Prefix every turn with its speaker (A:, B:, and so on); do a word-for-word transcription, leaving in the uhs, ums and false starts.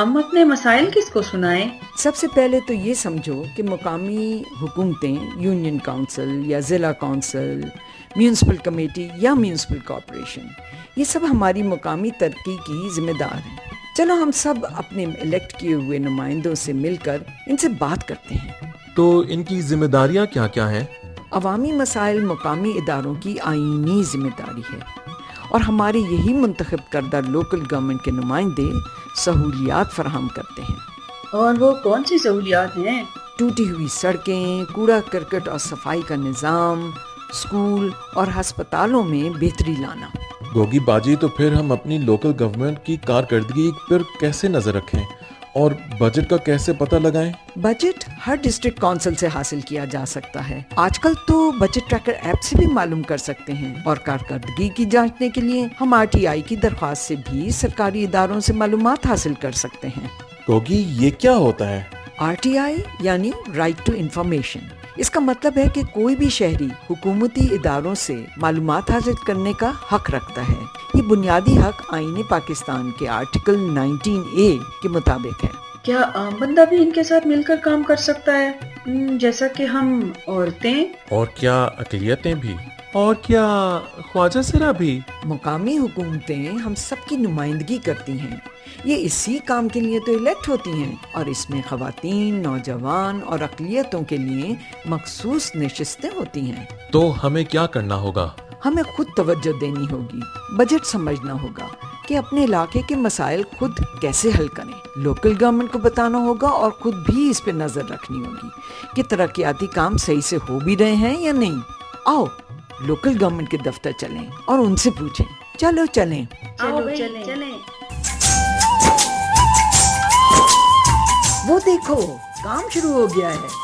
A: हम अपने मसाइल किसको सुनाएं?
B: सबसे पहले तो ये समझो कि मुकामी हुकूमतें, यूनियन काउंसिल या ज़िला काउंसिल, म्यूनसिपल कमेटी या म्यूनसिपल कॉरपोरेशन, ये सब हमारी मुकामी तरक्की की जिम्मेदार हैं। चलो हम सब अपने इलेक्ट किए हुए नुमाइंदों से मिलकर इनसे बात करते हैं।
C: तो इनकी जिम्मेदारियां क्या क्या हैं?
B: अवामी मसाइल मुकामी इदारों की आईनी जिम्मेदारी है और हमारे यही मुंतखब करदा लोकल गवर्नमेंट के नुमाइंदे सहूलियात फराहम करते हैं।
A: और वो कौन सी सहूलियात हैं?
B: टूटी हुई सड़कें, कूड़ा करकट और सफाई का निज़ाम, स्कूल और अस्पतालों में बेहतरी लाना।
C: गोगी बाजी, तो फिर हम अपनी लोकल गवर्नमेंट की कारकर्दगी पर कैसे नजर रखें और बजट का कैसे पता लगाएं?
B: बजट हर डिस्ट्रिक्ट काउंसिल से हासिल किया जा सकता है। आजकल तो बजट ट्रैकर ऐप से भी मालूम कर सकते हैं और कारकर्दगी की जांचने के लिए हम आर टी आई की दरख्वास्त से भी सरकारी इदारों से मालूमात हासिल कर सकते हैं।
C: गोगी, ये क्या होता है?
B: आर टी आई यानी राइट टू इंफॉर्मेशन। इसका मतलब है कि कोई भी शहरी हुकूमती इदारों से मालूमात हासिल करने का हक रखता है। ये बुनियादी हक आईने पाकिस्तान के आर्टिकल नाइनटीन ए के मुताबिक है।
A: क्या आम बंदा भी इनके साथ मिलकर काम कर सकता है, जैसा कि हम औरतें?
C: और क्या अकलियतें भी? और क्या ख्वाजा सिरा भी?
B: मुकामी हुकूमतें हम सबकी नुमाइंदगी करती हैं। ये इसी काम के लिए तो इलेक्ट होती हैं और इसमें ख़वातीन, नौजवान और अक़लियतों के लिए मखसूस नशिस्तें होती हैं।
C: तो हमें क्या करना होगा?
B: हमें खुद तवज्जो देनी होगी, बजट समझना होगा कि अपने इलाके के मसाइल खुद कैसे हल करें। लोकल गवर्नमेंट को बताना होगा और खुद भी इस पे नज़र रखनी होगी कि तरक्याती काम सही से हो भी रहे हैं या नहीं। आओ लोकल गवर्नमेंट के दफ्तर चलें और उनसे पूछें। चलो चलें।
A: चलो चलें। चलें।
B: वो देखो, काम शुरू हो गया है।